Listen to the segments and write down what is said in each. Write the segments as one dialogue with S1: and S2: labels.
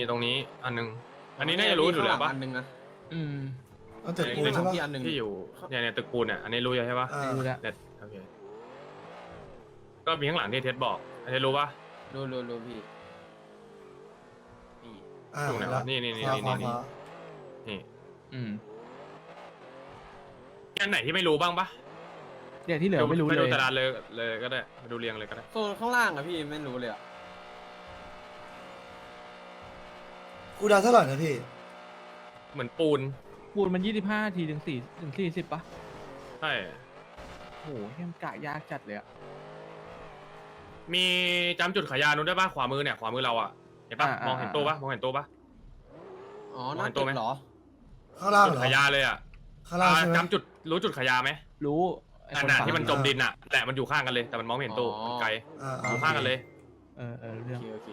S1: ตรงนี้อันนึงอันนี้น่าจะรู้อยู่แล้วปะ
S2: อันนึงนะ
S3: เอาตึกปูนใช่ปะ
S2: ที่อันนึง
S1: ที่อยู่เนี่ยตึกปูนเนี่ยอันนี้รู้อยู่ใช่ปะ
S3: รู้แล้ว
S1: เด็ดโอเคก็มีข้างหลังที่เท็ดบอกอันนี้รู้ปะ
S2: รู้พี่นี่
S1: ถูกไหนวะนี่
S3: ขวา
S1: นี่อันไหนที่ไม่รู้บ้างปะ
S4: เนี่ยที่เหลือไม่รู้
S1: ไป
S4: เล
S1: ดู
S4: ย
S1: ตารางเลยก็ได้ไปดูเรียงเลยก็ได้
S2: โซนข้างล่างอะพี่ไม่รู้เลยอะ
S3: กูดาวเท่าไหร่นะพี่
S1: เหมือนปูน
S4: ปูนมัน25 ทีถึง40ปะ
S1: ใช่
S4: โอ้โหเฮียมกะยากจัดเลยอะ
S1: มีจำจุดขายยานู้นได้ปะขวามือเนี่ยขวามือเราอะเห็นปะมองเห็นตัวปะมองเห็นตัวปะ
S2: อ๋อน่าตึกเหรอ
S3: ข้างล่าง
S1: จุด
S3: เหรอ
S1: ขายยาเลยอะ
S3: ข้างล่างใช่ไหม
S1: จำจุดรู้จุดขายยาไหม
S4: รู้ไอ้
S1: อัน
S4: คน
S1: น่ะ
S4: ฝั่ง
S1: ที่มันจมดินอะแหละมันอยู่ข้างกันเลยแต่มันมองไม่เห็นตู้มันไกล อยู่ข้างกันเลย
S4: เรื่อง
S2: โอเค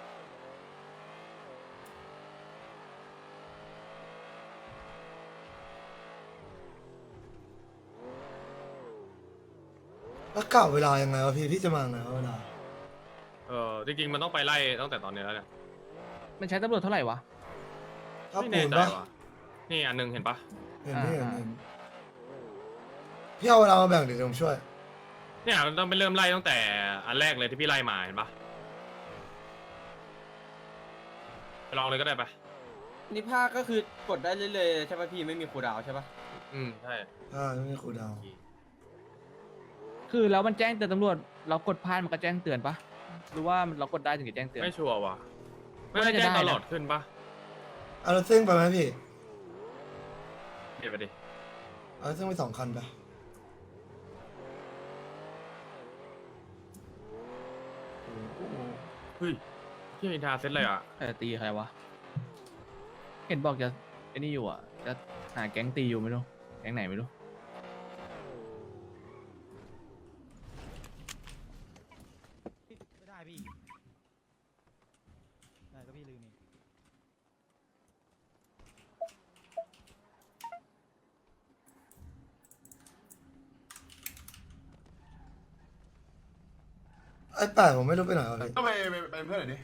S3: แล้วกล่าวเวลายังไงวะพี่จะมาไงวะเวลา
S1: จริงๆมันต้องไปไล่ตั้งแต่ตอนนี้แล้วเนี่ย
S4: มันใช้ตำรวจเท่าไหร่วะ
S3: ถ้า
S1: ไม่
S3: ปู
S1: แน่
S3: น
S1: ใจ
S3: ปะ
S1: ว่ะนี่อันนึงเห็นปะ
S3: เห็นพี่เห็นพี่เอาเวลามาแบ่งเดี๋ยวผมช่วย
S1: เนี่ยมันต้องไปเริ่มไล่ตั้งแต่อันแรกเลยที่พี่ไล่มาเห็นปะไปลองเลยก็ได้ปะ
S2: นี่ภาคก็คือกดได้เรื่อยๆใช่ป่ะพี่ไม่มีคูลดาวน์ใช่ป่ะ
S1: ใช่
S3: ไม่มีครูดาว
S4: คือแล้วมันแจ้งเตือนตำรวจเรากดพลาดมันก็แจ้งเตือนปะหรือว่าเรากดได้ถึงจะแจ้งเตือน
S1: ไม่ชัวร์ว่ะไม่ได้แจ้งตลอดขึ้นปะ
S3: เอารถเส้นไปไหมพี่
S1: เดี๋ยวไปดิ
S3: เอารถเส้นไป2 คันไป
S1: เฮ้ยพี่อินทาเซ็ตเลยอ่ะ
S4: ตีใครวะเห็นบอกจะไอ้นี่อยู่อ่ะจะหาแก๊งตีอยู่ไม่รู้แก๊งไหนไม่รู้
S5: ไม่ได้พี่ ได้ก็พี่ลืมอีก
S3: ไอ้แปดผมไม่รู้ไปไหนวะพี่
S6: ก็ไปเพื่อนหน่อยดิ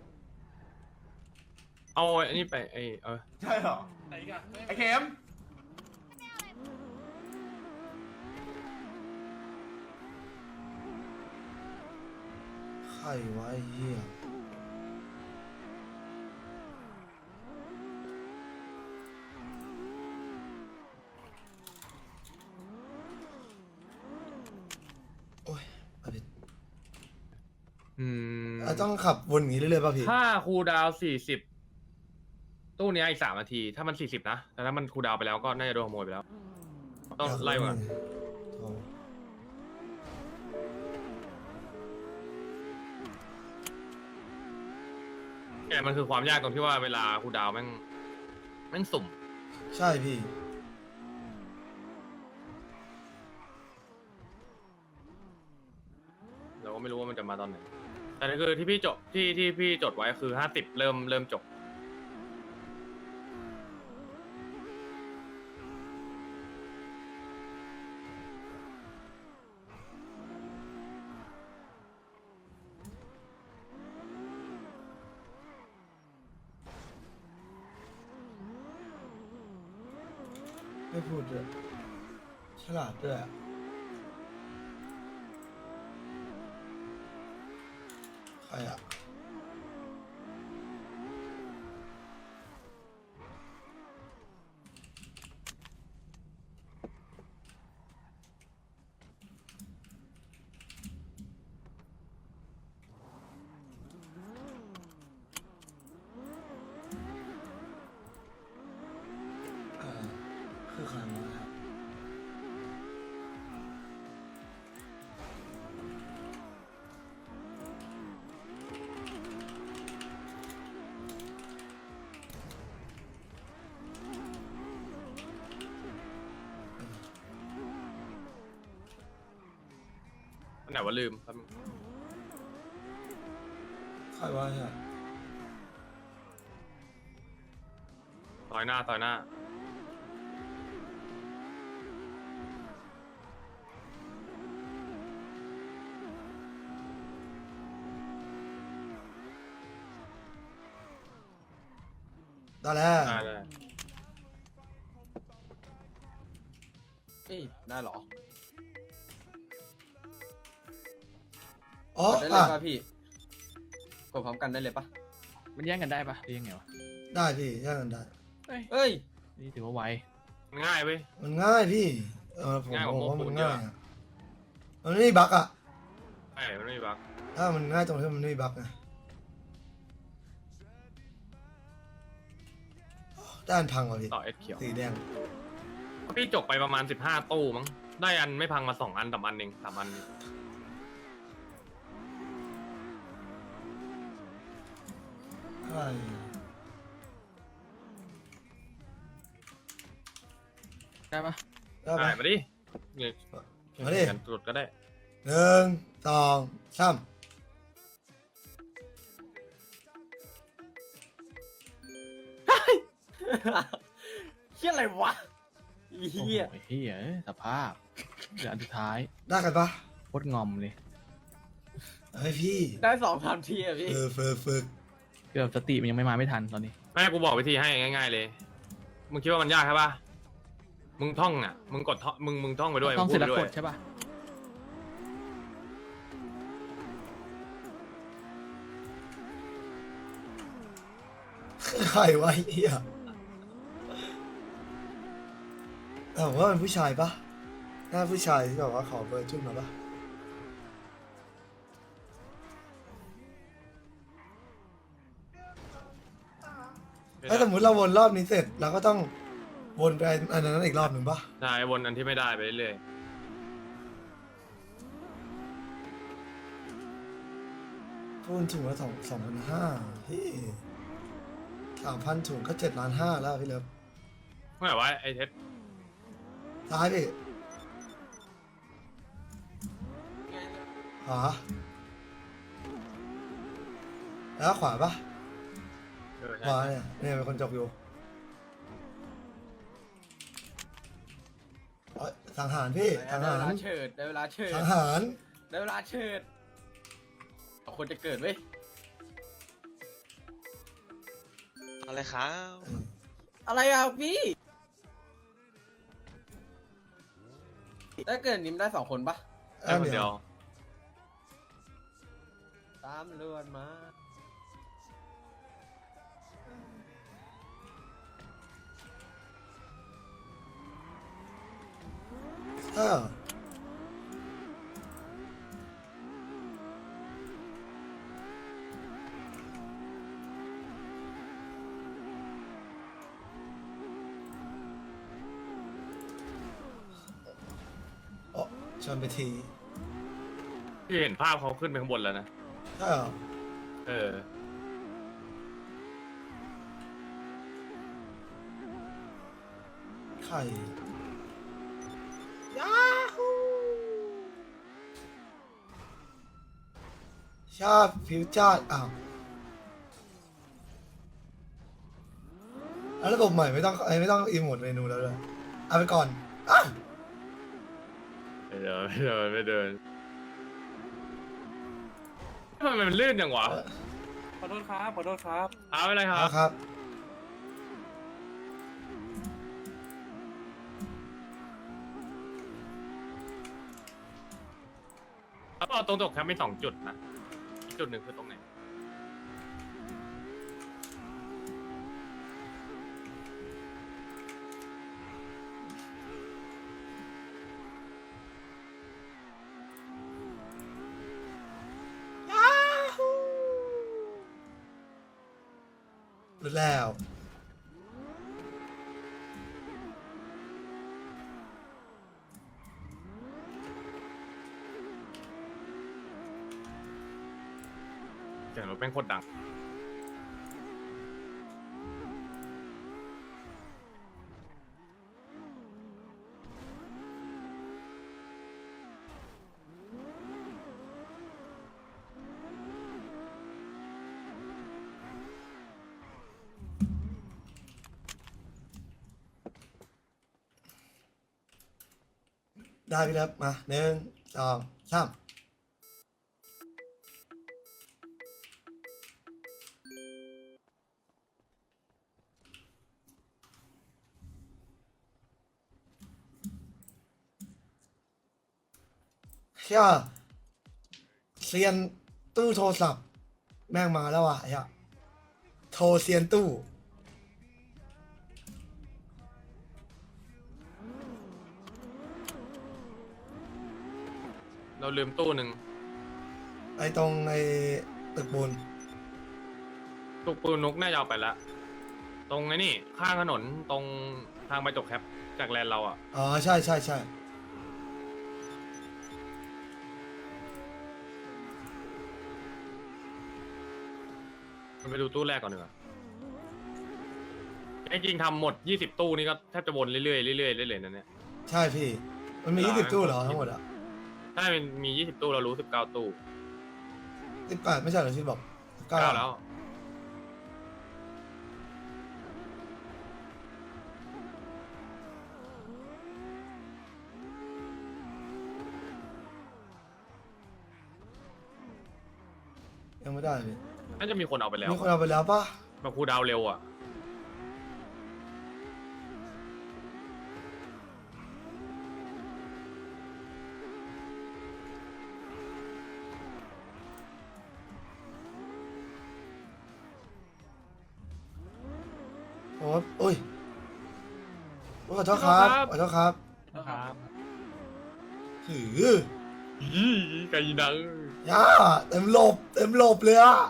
S1: เอาอันนี้ไป
S6: ใช่เหรอ ไอ้เข็ม
S3: ใครวะไอ้เหี้ยโอ้ยเอาผิดต้องขับวนอย่างนี้เรื่อยๆป่ะพี่
S1: ถ้าคูลดาวน์40ตู้เนี้ยอีก3 นาทีถ้ามัน40นะแต่ถ้ามันคูลดาวน์ไปแล้วก็น่าจะโดนขโมยไปแล้วต้องไล่มา
S3: โอ้
S1: เนี่ยมันคือความยากตรงที่ว่าเวลาคูลดาวน์แม่งสุ่ม
S3: ใช่พี่
S1: เราก็ไม่รู้ว่ามันจะมาตอนไหนแต่นี่คือที่พี่จดที่พี่จดไว้คือ50เริ่มจบ
S3: ไม่พูดด้วยฉลาดด้วยอะใครอะคือใครวะครับ
S1: อันไหนว่าลืมครับ
S3: ใครวะเนี่ย
S1: ต่อยหน้า
S3: ได้แล้ว
S1: ได้เลย
S2: เอ้ยได้เหรอ
S3: อ๋อก
S2: ดได้เลย
S3: อ่ะ
S2: ป่ะพี่กดพร้อมกันได้เลยป่ะ
S4: มันแย่งกันได้ปะหรือยังไงวะ
S3: ได้พี่แย่งกันได้
S2: เอ้ย
S4: นี่ถือว่าไว
S1: ง่ายเว้ย
S3: มันง่ายพี่ผม
S1: ง่ายกว่า
S3: บอกว่า
S1: พวก
S3: มัน
S1: ปูนเย
S3: ง่า
S1: อะ
S3: ยอะมันไม่มีบั๊กอะ
S1: ใช่มันไม่มีบั๊ก
S3: ถ้ามันง่ายตรงที่มันไม่มีบั๊กไงด้านพังเหรอพี่
S1: ต่อเอสเขียว
S3: สีแดง
S1: พี่จกไปประมาณ15 ตู้มั้งได้อันไม่พังมา2 อัน3 อันเอง3 อัน
S3: ใช่
S4: ได้ปะ
S3: ได้
S1: ได้
S3: ปะ
S1: มาดิเนี่ย
S3: มาดิ
S1: กันตรวจก็ได้
S3: 1 2 3
S2: เฮียอะไรวะเฮีย
S4: โอ้โหเฮียเอ้ยสภาพเดี๋ยวอันสุดท้าย
S3: ได้กันปะ
S4: โคตรงอมเลย
S3: เฮ้ยพี่
S2: ได้2-3 ทีอะพี่
S3: ฝึก
S4: เกือบสติมันยังไม่มาไม่ทันตอนนี้
S1: แม่กูบอกวิธีให้ง่ายๆเลย มึงคิดว่ามันยากใช่ปะมึงท่องอ่ะ มึงกดท่องมึงท่องไปด้วย
S4: ต้อง
S1: มึ
S4: เสร็จ
S1: พู
S4: แล้ว
S1: ไป
S4: ก
S1: ด้ว
S4: ด
S1: ย
S4: ใช่ปะ
S3: ใครวะไอ้เฮียแต่ผมว่าเป็นผู้ชายปะหน้าผู้ชายที่แบบว่าขอเบอร์จุ้นมาปะถ้าสมมติเราวนรอบนี้เสร็จเราก็ต้องวนไปอันนั้นอีกรอบหนึ่งปะ
S1: ใช่วนอันที่ไม่ได้ไปเรื่อย
S3: พูนถุงละ2,500พี่3,000 ถุงก็7,500,000แล้วพี่เลิฟ
S1: ๆไม่ไหวไอ้เท็ด
S3: ซ้ายพี่ขวาแล้วขวาปะ
S1: ใช่
S3: ขวาเนี่ยเป็นคนจบอยู่เอ้ยสังหารพี่สัง
S2: ได้
S3: หา
S2: เวลาร เฉิดได้เวลาเฉิด
S3: สังหาร
S2: ได้เวลาเฉิดเอาคนจะเกิดเว้ย
S7: อะไรครับ
S2: อะไรอ่ะพี่ถ้าเกิดนิมได้2 คนปะ
S1: แค่คนเดียว
S2: ตามเรือนมา
S3: เออโอ้ชนไปที
S1: ที่เห็นภาพเขาขึ้นไปข้างบนแล้วนะ
S3: ใช่เหรอ
S1: เออ
S3: ไข่ชาติผิวจาดอ้าวแล้วระบบใหม่ไม่ต้องอีโมดเมนูแล้วเลยเอาไปก่อนอ้าว
S1: ไม่เดินทำไมมันลื่นอย่างวะ
S5: ขอโทษครับขอโทษครับ
S1: เอาไปเลยครับ
S3: ครับ
S1: แล้วก็ตรงตกแคมป์มี2 จุดนะอีกจุดหนึ่งคือตรงไหน
S3: รู้แล้ว
S1: เสียงรถแม่งโคตรดัง
S3: ได้พี่เลิฟมา1 2 3 แค่เซียนตู้โทรศัพท์แม่งมาแล้วอ่ะไอ้เหี้ยโทรเซียนตู้
S1: เราลืมตู้หนึ่ง
S3: ไอ้ตรงไอ้ตึกปูน
S1: ตุกปูนุกน่าจะเอาไปละตรงไอ้นี่ข้างถนนตรงทางไปจกแคปจากแลนด์เราอ่ะ
S3: อ๋อใช่ใช่ใช่
S1: มันไปดูตู้แรกก่อนดีกว่าจริงๆทำหมด 20 ตู้นี่ก็แทบจะวนเรื่อยๆเรื่อยๆเรื่อยๆนั่นเนี่ย
S3: ใช่พี่ มันมี 20 ตู้เหรอทั้งหมดอ่ะ
S1: ถ้ามันมี 20 ตู้เรารู้ 19 ตู้
S3: 18ไม่ใช่เหรอที่บอก
S1: 9แล้ว
S3: ยังไม่ได้พี่
S1: น่าจะมีคนเอาไปแล้ว
S3: มีคนเอาไปแล้วปะ
S1: แบบครูดาวเร็วอ่ะ
S3: โอ้โอ้ยขอโทษครับขอโทษครับ
S4: ครับ
S3: หือ
S1: ยี่ไก่ดัง
S3: ย่าเต็มหลบเต็มหลบเลยอะ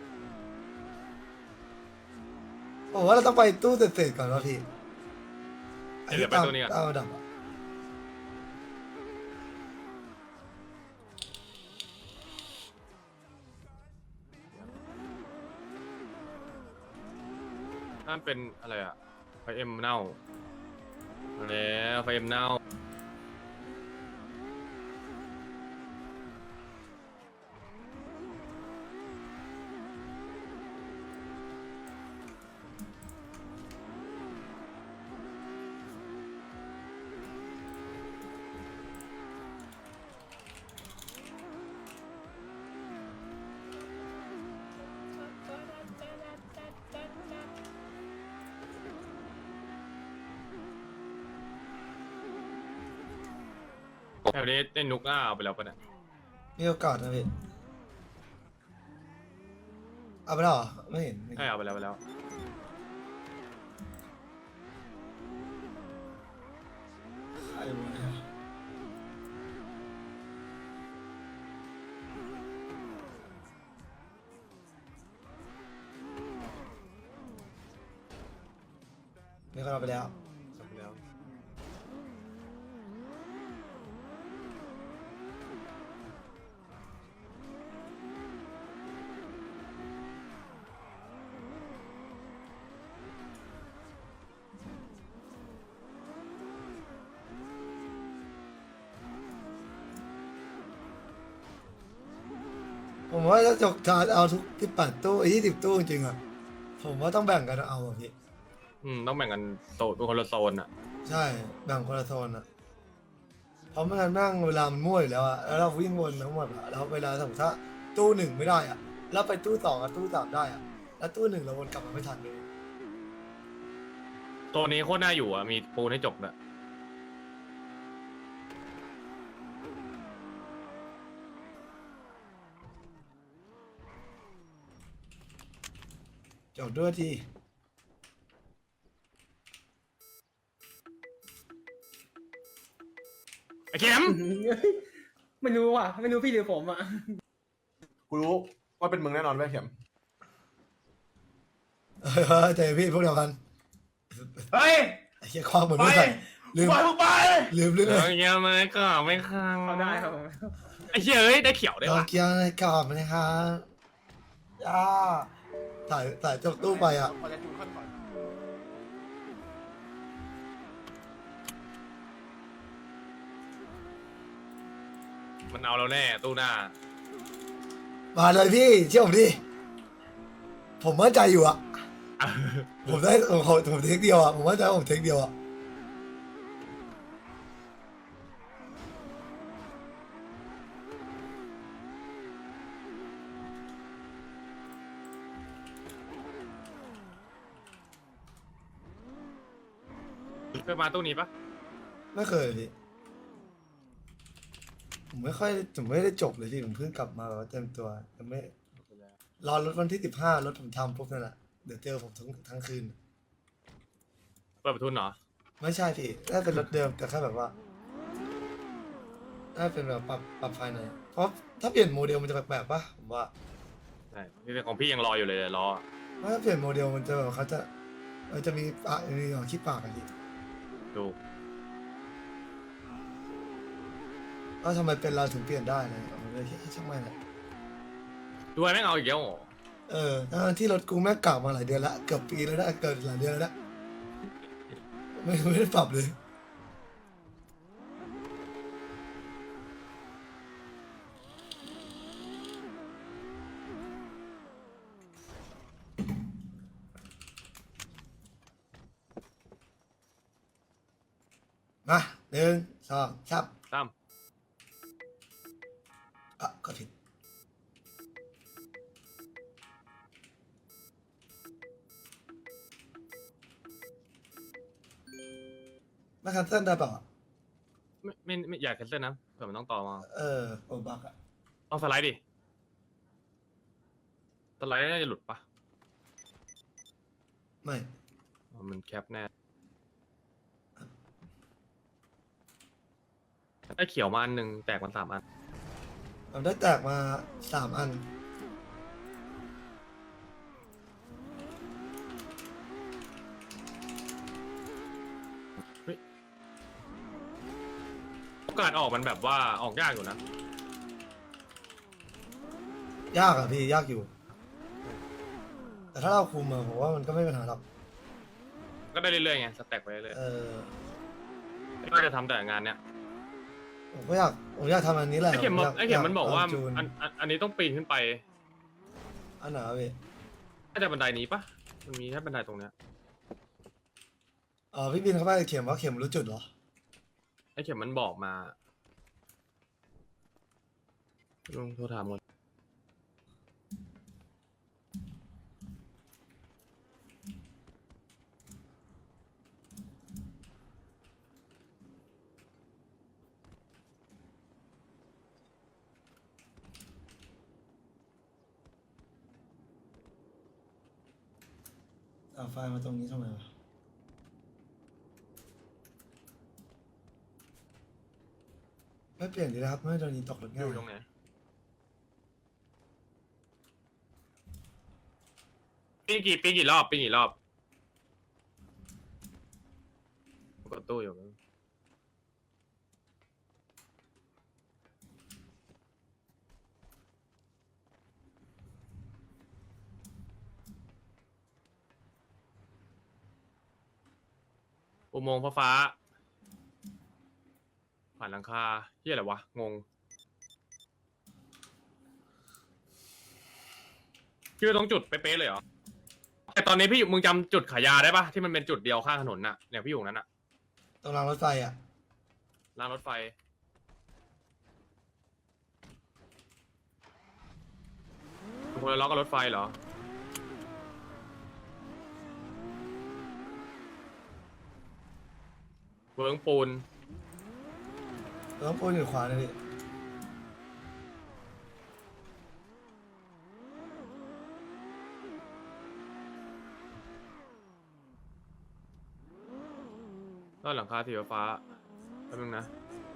S3: ผมว่าเราต้องไปตู้เศษๆก่อนวะพี่
S1: เดี๋ยวไปตัวนี้ก่อน
S3: ตามระดับอะ
S1: นั่นเป็นอะไรอ่ะไฟเอ็มเน่าแล้วไฟเอ็มเน่า แถวนี้เล่นนุกอ้าเอาไปแล้วปะเนี่ย
S3: มีโอกาสนะพี่เอาไปแล้วเหรอไม่เห็นไม่
S1: ใช่
S3: เห็น
S1: เอาไปแล้วไปแล้ว
S3: ใครวะเนี่ยมีคนเอาไปแล้ว
S1: เอาไปแล้ว
S3: ผมว่าถ้าจกจานเอาทุก18ตู้20ตู้จริงๆอะผมว่าต้องแบ่งกันเอาอะพี่
S1: ต้องแบ่งกันโซนเป็นคนละโซนอ่ะ
S3: ใช่แบ่งคนละโซนอะเพราะไม่งั้นแม่งเวลามันมั่วอยู่แล้วอะแล้วเราวิ่งวนทั้งหมดอะแล้วเวลาสมมติถ้าตู้หนึ่งไม่ได้อะแล้วไปตู้สองกับตู้สามได้อะแล้วตู้หนึ่งเราวนกลับมาไม่ทันเลย
S1: ตัวนี้โคตรน่าอยู่อ่ะ มีปูนให้จบด้วย
S3: จบด้วยที
S1: ไอ้เข็ม
S2: ไม่รู้อ่ะ ไม่รู้พี่หรือผมอ่ะ
S6: กูรู้ว่าเป็นมึงแน่นอนเว้ยเข็ม
S3: เจพี่พวกเดียวกัน
S6: เฮ้ย
S3: ไอ้เหี้ยคว้างเหมือน
S6: ไป
S3: ไม่ใส่ลืม
S6: ไปมึงไป
S3: ลืมเรื่อง
S1: เอ
S3: เลย
S1: อเงี้ยมันก็ไม่ค้าง
S2: เขาได้ครับผม
S1: ไอ้เหี้ยเอ้ยได้เขียวได้
S3: เรา
S1: ปะ
S3: เกียร์ในกรอบนะครับย่าถ่ายจกตู้ไปอะ
S6: พอจะจูนขั้นก่อน
S1: มันเอาเราแน่ตู้หน้า
S3: มาเลยพี่เชื่อผมดิผมมั่นใจอยู่อะผมได้ผมเทคเดียวอะผมมั่นใจว่าผมเทคเดียวอะ
S1: เคยมาตู้นี้ปะ
S3: ไม่เคยพี่ผมไม่ได้จบเลยพี่ผมเพิ่งกลับมาแบบว่าเต็มตัวยังไม่รอรถวันที่15รถผมทำปุ๊บนั่นแหละเดี๋ยวเจอผมทั้งคืน
S1: เปิดประทุนเหรอ
S3: ไม่ใช่พี่น่าเป็นรถเดิมแต่แค่แบบว่าน่าเป็นแบบปรับภายในเพราะถ้าเปลี่ยนโมเดลมันจะแปลกๆปะผมว่า
S1: ใช่นี่ของพี่ยังรออยู่เลยรอ
S3: ถ้าเปลี่ยนโมเดลมันจะแบบมันจะมีขี้ปากอะพี่
S1: ดู
S3: ว่าทำไมเป็นเราถึงเปลี่ยนได้เลยผมเลยคิดช่างมันแหละ
S1: ดูไอ้แม่งเอาอีกแล้วเหรอ
S3: ทั้งที่รถกูแม่งเก่ามาหลายเดือนละเกือบปีแล้วนะเกิดหลายเดือนแล้วนะไม่ได้ปรับเลยมา1 2 3
S1: ตั้ม
S3: ก็ผิดมาคันเซิลได้เปล่า
S1: ไม่อยากแคนเซิลนะเผื่อมันต้องต่อมา
S3: โอบักอะ
S1: ต้องสไลด์ดิสไลด์น่าจะหลุดปะ
S3: ไม่
S1: อ๋อมันแคปแน่ไอ้เขียวมาอันหนึ่งแตกมัน3 อัน
S3: ผมได้แตกมา3 อัน
S1: โอกาสออกมันแบบว่าออกยากอยู่นะ
S3: ยากอะพี่ยากอยู่ แต่ถ้าเราคุมอะผมว่ามันก็ไม่เป็นปัญหาหรอก
S1: ก็ได้เรื่อยๆไงสแต็กไปเรื่อย
S3: เออ
S1: ๆก็จะทำแต่งานเนี้ย
S3: ผมอยากทำอันนี้แหละ
S1: ไอ้เข็มบอก
S3: ย
S1: ไอ้เข็มมันบอกว่า
S3: จูน
S1: อันนี้ต้องปีนขึ้นไป
S3: อันไหนวะพี่
S1: น่าจะบันไดนี้ปะมันมีแค่บันไดตรงเนี้ย
S3: พี่บินเข้าไปเข็มว่าเข็มรู้จุดเหรอ
S1: ไอ้เข็มมันบอกมาลองโทรถามก่อน
S3: เอาไฟล์มาตรงนี้ทำไมวะไม่เปลี่ยนดีนะครับไม่โดนนี้ตกรถ
S1: อ
S3: ง่าย
S1: ยู่ตรงไหนปีกี่รอบกดตู้อยู่อุโมงค์ฟ้าๆผ่านหลังคาเฮียอะไรวะงงพี่ไปตรงจุดเป๊ะๆเลยเหรอแต่ตอนนี้มึงจำจุดขายยาได้ปะที่มันเป็นจุดเดียวข้างถนนน่ะเนี่ยพี่อยู่ตรงนั้นน่ะ
S3: ตรงรางรถไฟอะ
S1: รางรถไฟคนละล้อกับรถไฟเหรอเวิร์งปูน
S3: ต้องพูดอยู่ขวาเลยพี่
S1: ด้านหลังคาสีฟ้าแป๊บนึงนะ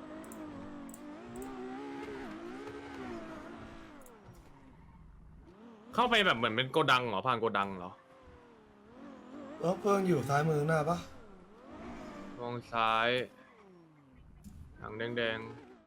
S1: เข้าไปแบบเหมือนเป็นโกดังเหรอผ่านโกดังเหรอ
S3: รถเพิ่งอยู่ซ้ายมือหน้าปะ
S1: มองซ้ายหางแดงๆ